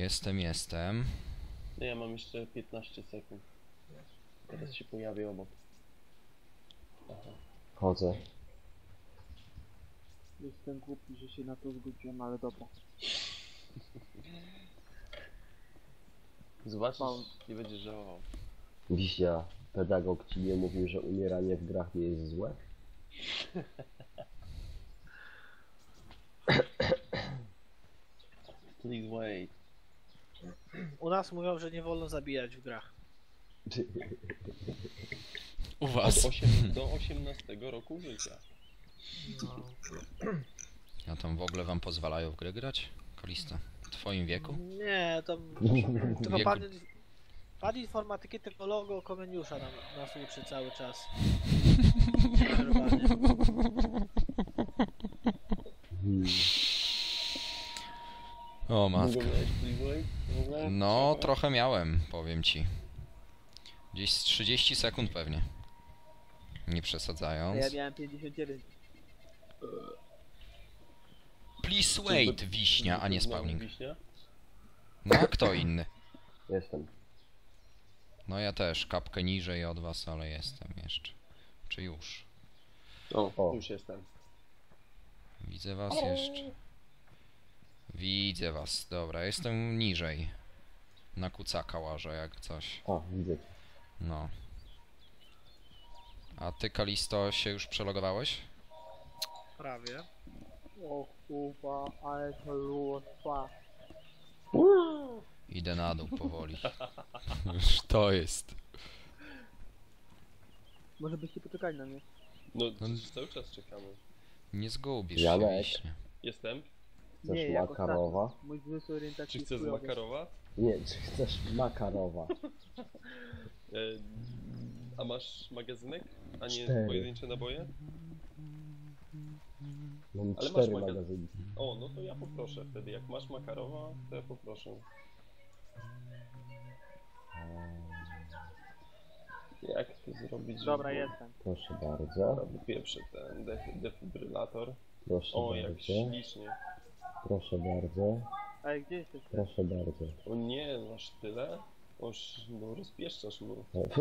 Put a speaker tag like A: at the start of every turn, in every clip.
A: Jestem.
B: No ja mam jeszcze 15 sekund. Teraz się pojawię obok. Aha.
C: Chodzę.
D: Jestem głupi, że się na to zgodziłem, ale dobra.
B: Zobaczysz, nie będziesz żałował.
C: Wiśnia, pedagog ci nie mówił, że umieranie w grach nie jest złe?
B: Please wait.
E: U nas mówią, że nie wolno zabijać w grach.
A: U was.
B: Do 18 roku życia.
E: No.
A: A tam w ogóle wam pozwalają w grę grać? Kalisto? W twoim wieku?
E: Nie, to tylko
A: Wieku.
E: pan informatyki tylko logo Komeniusza nas uczy cały czas.
A: O
B: Długo
A: matka.
B: miałeś please wait? W ogóle?
A: No, trochę miałem, powiem ci. Gdzieś z 30 sekund pewnie. Nie
D: Ja
A: przesadzając.
D: miałem 59.
A: Please wait, wiśnia, a nie
B: Znowu
A: spawning.
B: Wiśnia?
A: No a kto inny?
C: Jestem.
A: No ja też, kapkę niżej od was, ale jestem jeszcze. Czy już?
B: O, już jestem.
A: Widzę was jeszcze. Widzę was, dobra, jestem niżej. Na kucaka łażę jak coś.
C: A, widzę cię.
A: No. A ty, Kalisto, się już przelogowałeś?
E: Prawie.
D: O kurwa, ale to lustwa.
A: Idę na dół powoli. Już to jest.
D: Może byście poczekali na mnie.
B: No, przecież cały czas czekamy.
A: Nie zgubisz się,
C: Janek.
A: wiśnie.
B: Jestem?
C: Chcesz
D: Nie, jak
C: makarowa?
D: ostatnio. Mój zmysł orientacji
B: Czy
D: jest
B: chcesz z
D: chujowy.
B: Makarowa?
C: Nie, czy chcesz makarowa?
B: E, a masz magazynek? A nie
C: 4.
B: pojedyncze naboje?
C: Mam
B: Ale
C: 4
B: masz
C: magazynki.
B: O, no to ja poproszę wtedy. Jak masz Makarowa, to ja poproszę. Jak to zrobić,
D: Dobra,
B: żeby...
D: jestem.
C: Proszę bardzo.
B: Robię pierwszy ten defibrylator.
C: Proszę
B: O, jak
C: bardzo.
B: ślicznie.
C: Proszę bardzo.
D: Ej, gdzie jesteście?
C: Proszę bardzo.
B: O nie, masz tyle? Oż, no rozpieszczasz mnie.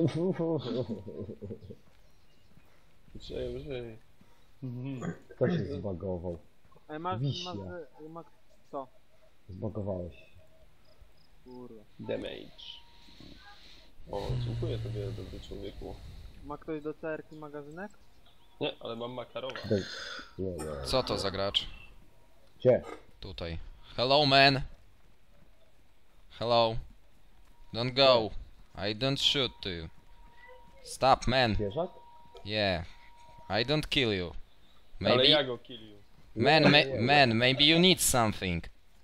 B: Żyj.
C: Kto się zbagował?
D: Ej, masz,
C: Wiśnia.
D: masz, co?
C: Zbagowałeś się.
D: Kurwa.
B: Damage. O, dziękuję tobie, dobry człowieku.
D: Ma ktoś do CR-ki magazynek?
B: Nie, ale mam Makarowa.
C: Nie, nie.
A: Co to za gracz?
C: Gdzie?
A: Tutaj. Hello, man. Hello. Don't go. I don't shoot to you. Stop, man.
C: Zwierzak?
A: Yeah. I don't kill you.
B: Ale
A: Maybe...
B: ja go killił.
A: Man, maybe you need something.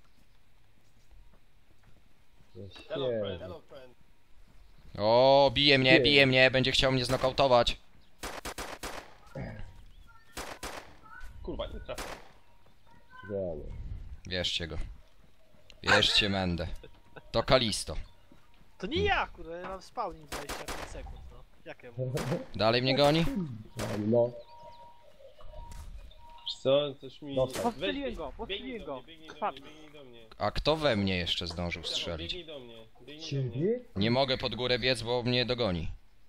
B: Hello friend,
C: Świetnie.
B: hello friend.
A: O, bije mnie, będzie chciał mnie znokautować.
B: Kurwa, nie trafię.
C: Wiemy.
A: Bierzcie go. Bierzcie Mendę. To Kalisto.
E: To nie ja, kurde, ja mam spawning 25 sekund, no. Jak ja mówię?
A: Dalej mnie goni?
C: No,
B: Wiesz co, coś mi...
C: Dostał.
D: Postrzeliłem go,
B: Biegnij
D: postrzeliłem
B: do
D: go.
B: mnie, biegnij do mnie,
D: Patrz.
B: biegnij do mnie.
A: A kto we mnie jeszcze zdążył strzelić?
B: Biegnij do mnie, biegnij do mnie.
C: ciebie?
A: Nie mogę pod górę biec, bo mnie dogoni.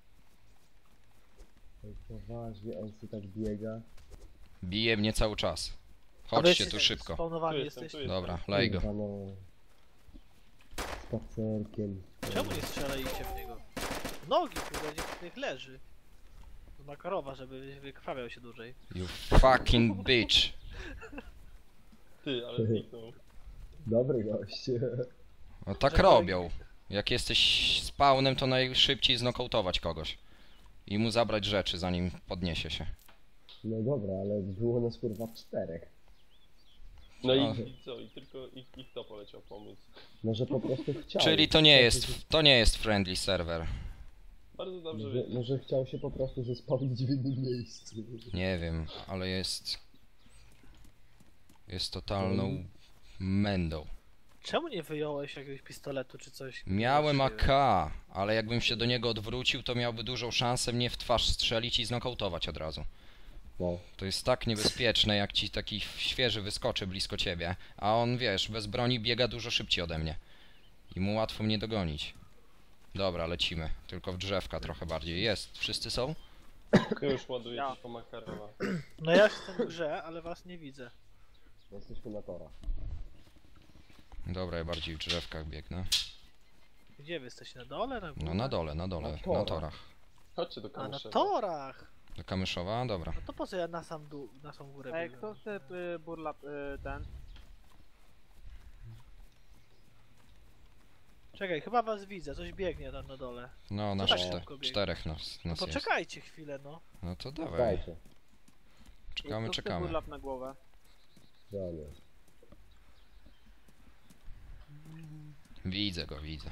C: Ej, poważnie, on sobie tak biega.
A: Bije mnie cały czas.
E: A wy
A: Chodźcie
E: jesteście
A: tu szybko.
E: Spawnowani
B: Tu jestem,
E: jesteś?
B: tu jestem.
A: Dobra, lej go.
C: Kurwa, no. Spacerkiem.
E: Czemu nie strzelaliście w niego? W nogi, kurde, niech leży. Z Makarowa, żeby wykrwawiał się dłużej.
A: You fucking bitch.
B: Ty, ale zniknął.
C: Dobry gość.
A: No tak robią. Jak jesteś spawnem, to najszybciej znokautować kogoś. I mu zabrać rzeczy, zanim podniesie się.
C: No dobra, ale było nas kurwa 4.
B: No
A: A.
B: i co, i tylko ich to poleciał pomóc.
C: Może po prostu chciał.
A: Czyli to nie jest friendly server.
B: Bardzo dobrze
C: Może,
B: wiedzieć.
C: może chciał się po prostu zespawnić w innym miejscu.
A: Nie wiem, ale jest... Jest totalną mędą.
E: Czemu nie wyjąłeś jakiegoś pistoletu czy coś?
A: Miałem
E: Właściwie.
A: AK, ale jakbym się do niego odwrócił, to miałby dużą szansę mnie w twarz strzelić i znokautować od razu.
C: No.
A: To jest tak niebezpieczne, jak ci taki świeży wyskoczy blisko ciebie, a on, wiesz, bez broni biega dużo szybciej ode mnie. I mu łatwo mnie dogonić. Dobra, lecimy. Tylko w drzewka trochę bardziej. Jest. Wszyscy są?
B: Już ładuję
D: Ja.
B: tylko Makarowa.
E: No ja jestem w grze, ale was nie widzę.
C: Jesteśmy na torach.
A: Dobra, ja bardziej w drzewkach biegnę.
E: Gdzie wy jesteście? Na dole? Na górze?
A: No na dole, na dole.
C: Na
A: Na
C: torach.
A: torach.
B: Chodźcie do
E: A na
B: Kamyszewa.
E: torach!
A: Do Kamyszowa? Dobra.
E: No to po co ja na sam dół, na samą górę
D: Ej,
E: biegłem?
D: kto chce burlap ten?
E: Czekaj, chyba was widzę, coś biegnie tam na dole.
A: No, na
E: tak
A: czte
E: szybko biegnie?
A: czterech nas
E: No
A: jest.
E: poczekajcie chwilę, no.
A: No to dawaj.
C: Dajcie.
A: Czekamy,
D: Kto chce
A: czekamy.
D: burlap na głowę?
C: Ja nie.
A: Widzę go, widzę.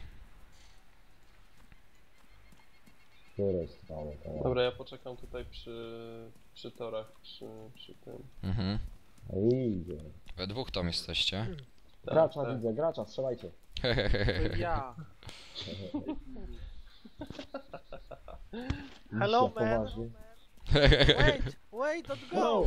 C: Które strony teraz?
B: Dobra, ja poczekam tutaj przy torach, przy tym.
A: Mhm.
C: A idzie.
A: We dwóch tam jesteście.
B: Tak,
C: Gracza
B: tak.
C: widzę, gracza, strzelajcie.
D: To ja.
E: Hello,
C: Misja
E: man.
C: poważnie.
E: Wait, don't go!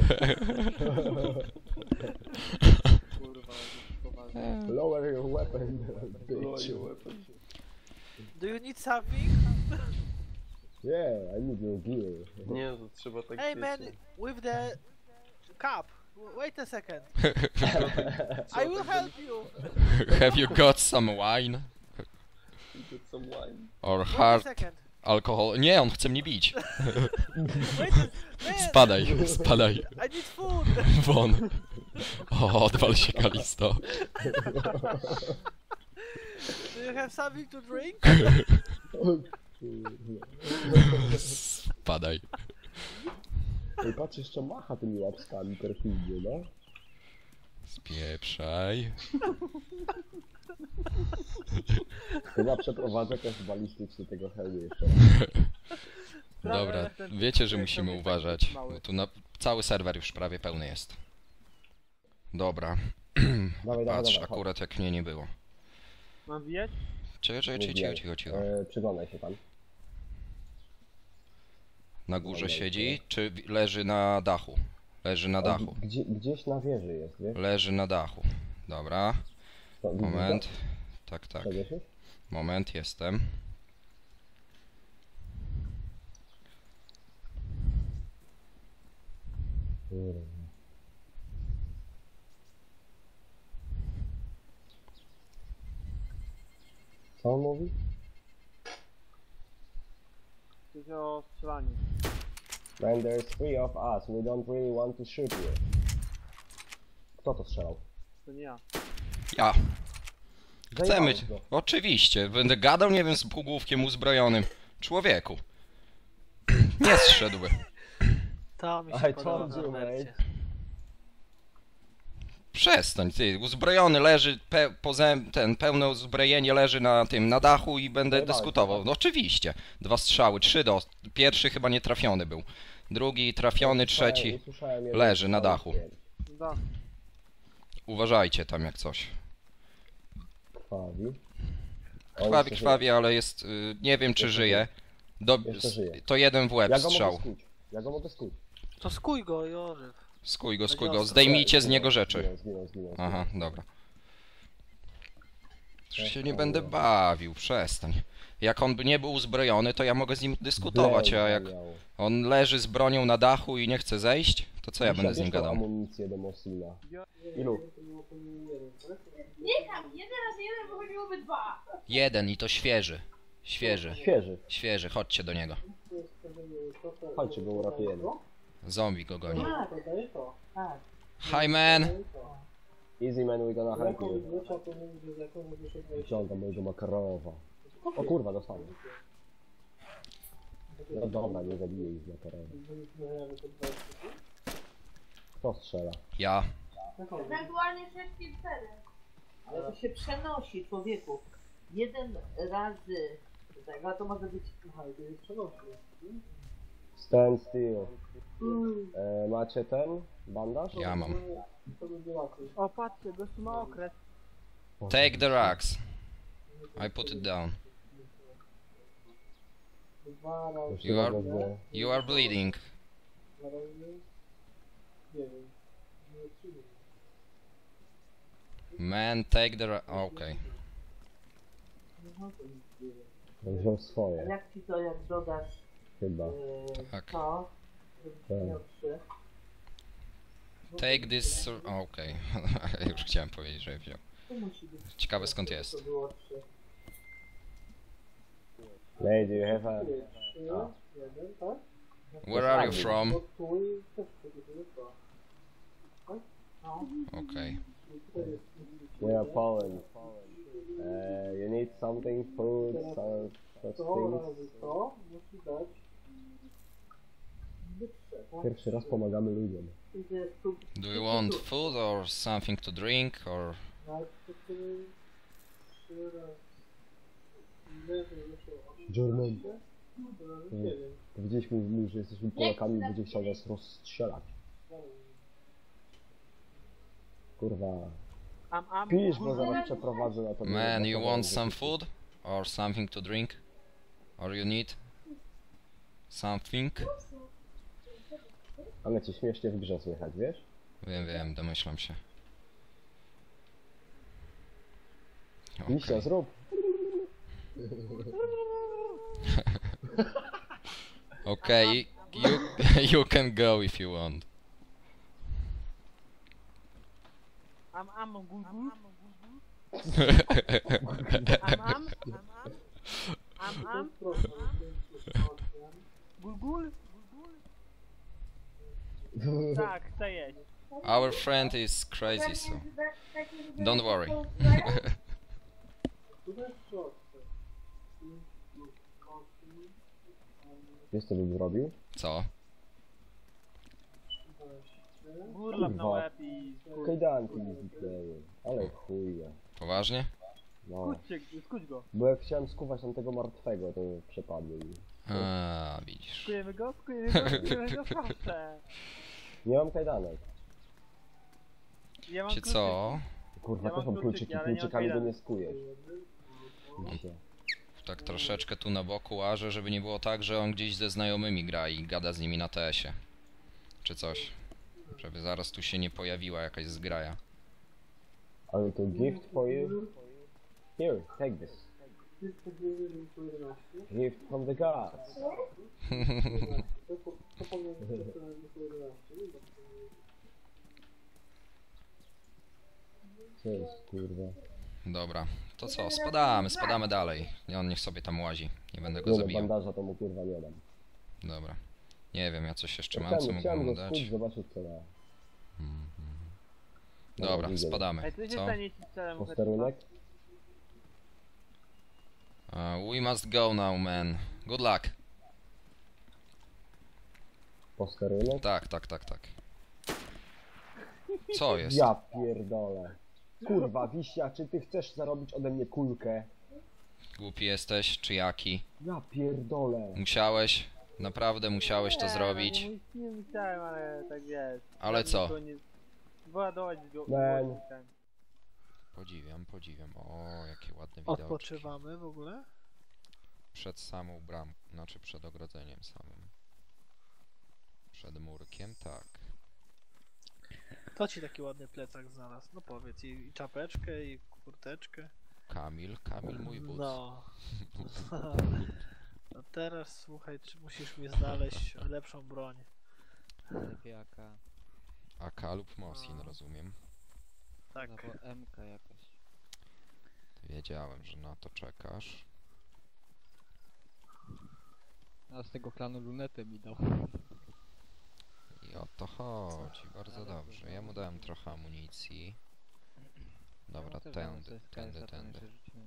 D: Kurwa, poważnie.
C: Lower your weapon, bitch.
E: Do you need something?
C: Yeah, I need your gear.
B: Nie, to trzeba tak
E: Hey man,
B: wiecie.
E: with the cup. Wait a second.
B: Trzeba
E: I will
B: tak
E: help you.
A: Have you got some wine?
B: Get some wine.
A: Or
E: Wait a
A: hard
E: second.
A: alcohol? Nie, on chce mnie bić.
E: Wait a man,
A: Spadaj, spadaj.
E: I need food.
A: Won. O, odwal się, Kalisto.
E: Do you have something to drink?
A: Spadaj.
C: Ej, patrz, jeszcze macha tymi łapskami perfidnie, no.
A: Spieprzaj.
C: Chyba przeprowadzę test balistyczny tego hełmu jeszcze raz.
A: Dobra, wiecie, że musimy uważać. Bo tu cały serwer już prawie pełny jest. Dobra.
C: Dawaj,
A: Patrz,
C: chodź.
A: akurat jak mnie nie było.
D: Mam wijać?
A: Cicho.
C: Przyglądaj się tam.
A: Na górze siedzi, czy leży na dachu? Leży na dachu.
C: Gdzieś na wieży jest, wiesz?
A: Leży na dachu. Dobra,
C: To, widzisz
A: moment.
C: go?
A: Tak, tak.
C: Przewieszysz?
A: Moment, jestem.
C: Kurwa. Co on mówi?
D: Coś o strzelaniu.
C: Man, there's three of us. We don't really want to shoot you. Kto to strzelał?
D: To nie ja.
A: Ja. Chcemy.
C: Zajebałeś go.
A: Oczywiście. Będę gadał, nie wiem, z półgłówkiem uzbrojonym. Człowieku. Nie zszedłby.
E: To mi
C: I
E: się podoba
C: told
E: na
C: you,
E: Norbercie.
C: mate.
A: Przestań, ty. Uzbrojony leży, pełne uzbrojenie leży na tym, na dachu i będę
C: Zajebałeś
A: dyskutował.
C: go.
A: No oczywiście. 2 strzały, 3 do. Pierwszy chyba nie trafiony był. Drugi trafiony, trzeci
C: Usłyszałem jeden
A: leży na
C: strzał,
A: dachu.
C: śmierć.
D: Da.
A: Uważajcie tam jak coś.
C: Krwawi.
A: Krwawi, krwawi, ale jest. Nie wiem czy
C: Jeszcze
A: żyje.
C: Jeszcze żyje.
A: To jeden w łeb
C: Ja go mogę
A: strzał.
C: skuć. Ja go mogę skuć.
E: To skuj go, Jorzef.
A: Skuj go,
E: Będzie ostro.
A: zdejmijcie z niego rzeczy.
C: Zginął.
A: Aha, dobra. Już się nie będę bawił, przestań. Jak on by nie był uzbrojony, to ja mogę z nim dyskutować, a jak on leży z bronią na dachu i nie chce zejść, to co ja będę z nim gadał?
C: Amunicję do Mosina. Ilu?
F: Nie tam, 1 razy 1 wychodziłoby 2.
A: Jeden i to świeży.
C: Świeży.
A: Chodźcie do niego.
C: Chodźcie, go uratujemy.
A: Zombie go goni.
F: A, to jest to. Tak.
A: Hi man!
C: Easy man, we gonna help you. Wyciągam mojego Makarowa. O kurwa, dostałem. No dobra, nie zabiję ich z Makarowa. Kto strzela?
A: Ja.
F: Ewentualnie 6 i 4.
G: Ale to się przenosi, człowieku. 1 razy. Tak, a to może być. Aha, to jest przenosi.
C: Stand still. Macie ten bandaż?
A: Ja mam.
D: O, patrzcie, gościu ma okres.
A: Take the rocks. I put it down. You are bleeding. Man, take the okay.
G: No to nic nie wiem.
C: On wziął
G: A
C: swoje,
G: jak ci to, jak dodasz
C: chyba.
A: Tak.
G: to, żebyś
C: Tak.
G: miał 3.
A: Take this... Okej. Już chciałem powiedzieć, że wziął.
G: To musi być.
A: Ciekawe skąd jest.
G: To było 3.
C: Lady, you have a...
G: 3, 1, tak?
A: Where are you from?
G: Bo tu i też będzie to. Tak? No.
A: Okej.
G: Tutaj jest.
C: We are Poland. You need something, food, some such
G: To
C: things.
G: razy to musi dać.
C: Pierwszy raz pomagamy ludziom.
G: Idzie tu.
A: Do you want food or something to drink or...
G: Najpierw 3 razy. Leży jeszcze 8.
C: German.
G: To razy 7.
C: Powiedzieliśmy mu, że jesteśmy Polakami i będzie chciał nas rozstrzelać. Kurwa. Pisz, bo zaraz przeprowadzę na to.
A: Man, you want some food? Or something to drink? Or you need something?
C: Ale cię śmiesznie w grze słychać, wiesz?
A: Wiem, domyślam się.
C: Liścia, zrób.
A: Okay, you can go if you want.
D: Am gul gul. Am gul gul. Tak, chcę jeść.
A: Our friend is crazy, so don't worry.
C: Wiesz co bym zrobił?
A: Co?
D: Gurlap na
C: Kurwa.
D: łeb i...
C: Kajdanki mi zniknęły. Ale chuja.
A: Poważnie?
C: No.
D: Skuć go.
C: Bo jak chciałem skuwać tamtego martwego, to przepadły mi.
A: A, widzisz.
D: Skujemy go, proszę.
C: Nie mam kajdanek.
D: Ja mam
A: Czy co?
C: Kurwa,
D: Ja
C: też
D: mam
C: mam
D: kluczyki,
C: kluczyki,
D: ale nie mam
C: kluczykami go
D: kajdanek.
C: nie skujesz. Liście.
A: Tak troszeczkę tu na boku łażę, żeby nie było tak, że on gdzieś ze znajomymi gra i gada z nimi na TS-ie. Czy coś. Żeby zaraz tu się nie pojawiła jakaś zgraja.
C: Ale to gift for you. Here, take this. Gift from the gods. Co jest, kurwa?
A: Dobra, to co? Spadamy dalej. I on niech sobie tam łazi. Nie będę go
C: Nie no,
A: zabijał.
C: bandaża to mu kurwa nie dam.
A: Dobra. Nie wiem, ja coś jeszcze mam, co mógłbym
C: Chciałem
A: mu
C: go
A: dać.
C: skuć, zobaczyć co ma.
A: Dobra,
C: widzę.
A: spadamy.
D: Ej, co się
A: Co?
D: stanie, jeśli celem
C: Posterunek?
A: We must go now, man. Good luck.
C: Posterunek?
A: Tak. Co jest?
C: Ja pierdolę. Kurwa, Wiśnia, czy ty chcesz zarobić ode mnie kulkę?
A: Głupi jesteś, czy jaki?
C: Ja pierdolę.
A: Musiałeś? Naprawdę musiałeś to zrobić?
D: Nie myślałem, ale tak jest.
A: Ale co?
D: Wyładować go.
C: Man.
A: Podziwiam. O, jakie ładne widoki.
E: Odpoczywamy w ogóle?
A: Przed samą bramą, znaczy przed ogrodzeniem samym. Przed murkiem, tak.
E: Kto ci taki ładny plecak znalazł? No powiedz, i czapeczkę, i kurteczkę.
A: Kamil mój but.
E: No. No teraz słuchaj, czy musisz mi znaleźć lepszą broń.
H: Lepiej AK,
A: AK lub Mosin, rozumiem.
E: Tak.
H: albo MK jakaś.
A: Wiedziałem, że na to czekasz.
H: A z tego klanu lunetę mi dał.
A: I o to chodzi, bardzo dobrze. Ja mu dałem trochę amunicji. Dobra,
H: Ja też mam
A: tędy.
H: CS-a tam jeszcze rzuciłem.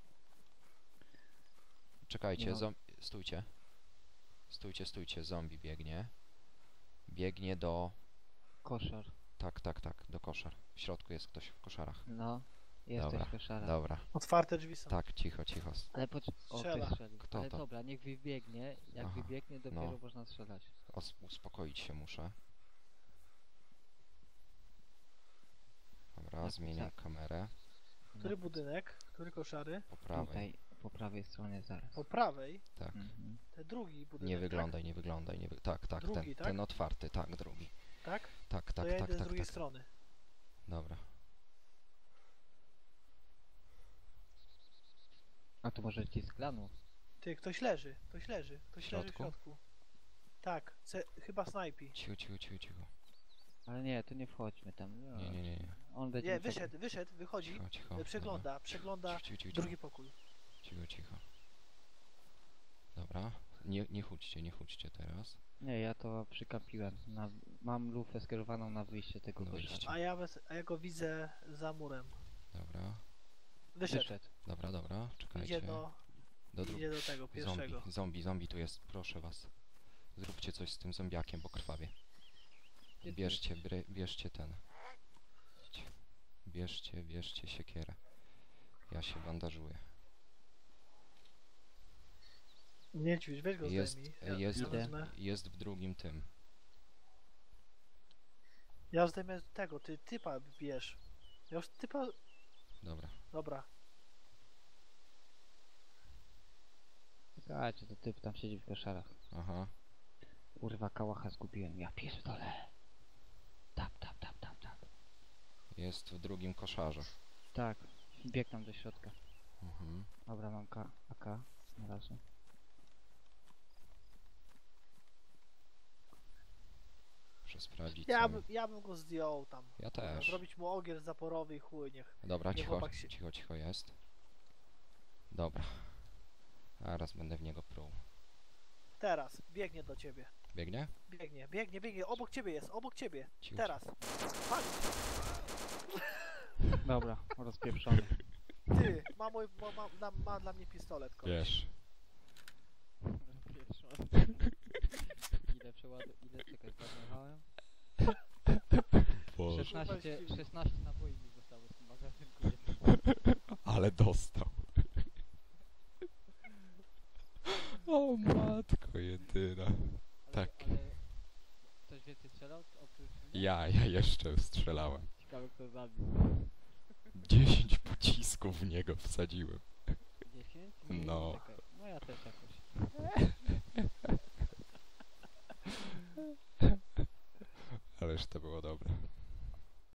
A: Czekajcie,
H: No.
A: Stójcie, zombie biegnie. Biegnie do...
H: Koszar.
A: Tak, do koszar. W środku jest ktoś w koszarach.
H: No, jesteś
A: Dobra,
H: koszara.
A: dobra.
E: Otwarte drzwi są.
A: Tak, cicho.
H: Ale o,
E: Strzela.
H: ktoś strzelił.
A: Kto
H: Ale
A: to?
H: dobra, niech wybiegnie. Jak
A: Aha,
H: wybiegnie, dopiero
A: no.
H: można strzelać.
A: Uspokoić się muszę. Dobra,
H: Tak,
A: zmieniam
H: tak.
A: kamerę.
E: Który budynek? Który koszary?
A: Po prawej.
H: Tutaj, po prawej stronie zaraz.
E: Po prawej?
A: Tak.
H: Mhm.
E: Ten drugi budynek.
A: Nie wyglądaj. Tak,
E: Drugi, tak?
A: ten otwarty, tak, drugi.
E: Tak?
A: Tak,
E: To ja idę z drugiej
A: tak.
E: strony.
A: Dobra.
H: A to może ci z klanu?
E: Ty, ktoś leży, ktoś leży w
A: środku?
E: środku. Tak, chyba snajpi.
A: Cicho, cicho, cicho, cicho.
H: Ale nie, to nie wchodźmy tam. No.
A: Nie.
H: On będzie...
E: Nie,
H: mi tak-
E: wyszedł, wychodzi,
A: Cicho, cicho.
E: przegląda
A: Dobra. Cicho, cicho,
E: drugi pokój.
A: Cicho. Dobra. Nie chudźcie teraz.
H: Nie, ja to przykapiłem. Mam lufę skierowaną na wyjście tego
A: Na
H: koszara.
A: wyjście.
E: A ja go widzę za murem.
A: Dobra.
E: Wyszedł.
A: Dobra. Czekajcie.
E: Idzie do tego pierwszego.
A: Zombie tu jest, proszę was. Zróbcie coś z tym zombiakiem, bo krwawie.
H: Gdzie ty
A: Bierzcie ten. Bierzcie siekierę. Ja się bandażuję.
E: Niedźwiedź, weź go zdejmij.
A: Jest w drugim tym.
E: Ja zdejmę tego, ty typa bierz. Ja już typa... Dobra.
H: Czekajcie, to typ tam siedzi w koszarach.
A: Aha.
H: Kurwa, kałacha zgubiłem, ja pierdolę. Tap.
A: Jest w drugim koszarze.
H: Tak, bieg tam do środka.
A: Mhm.
H: Dobra, mam AK na razie.
A: Muszę sprawdzić.
E: Ja bym go zdjął tam.
A: Ja też.
E: Zrobić mu ogier zaporowy i chuj, niech...
A: Dobra,
E: niech chłopak się...
A: cicho jest. Dobra. Zaraz będę w niego pruł.
E: Teraz, biegnie do ciebie.
A: Biegnie?
E: Biegnie, obok ciebie jest, obok ciebie.
A: Cicho.
E: Teraz. Pali.
H: Dobra, rozpieprzony.
E: Ty, ma dla mnie pistolet, koleś.
A: Wiesz.
H: Rozpieprzony. Ile czekaj, zadmuchałem? 16 naboi mi zostało z tym magazynku.
A: Ale dostał. O matko jedyna. Tak.
H: Ale ktoś więcej strzelał oprócz mnie?
A: Ja jeszcze strzelałem.
H: Ciekawe kto zabił.
A: 10 pocisków w niego wsadziłem.
H: 10?
A: No.
H: Czekaj. No ja też jakoś.
A: Ależ to było dobre.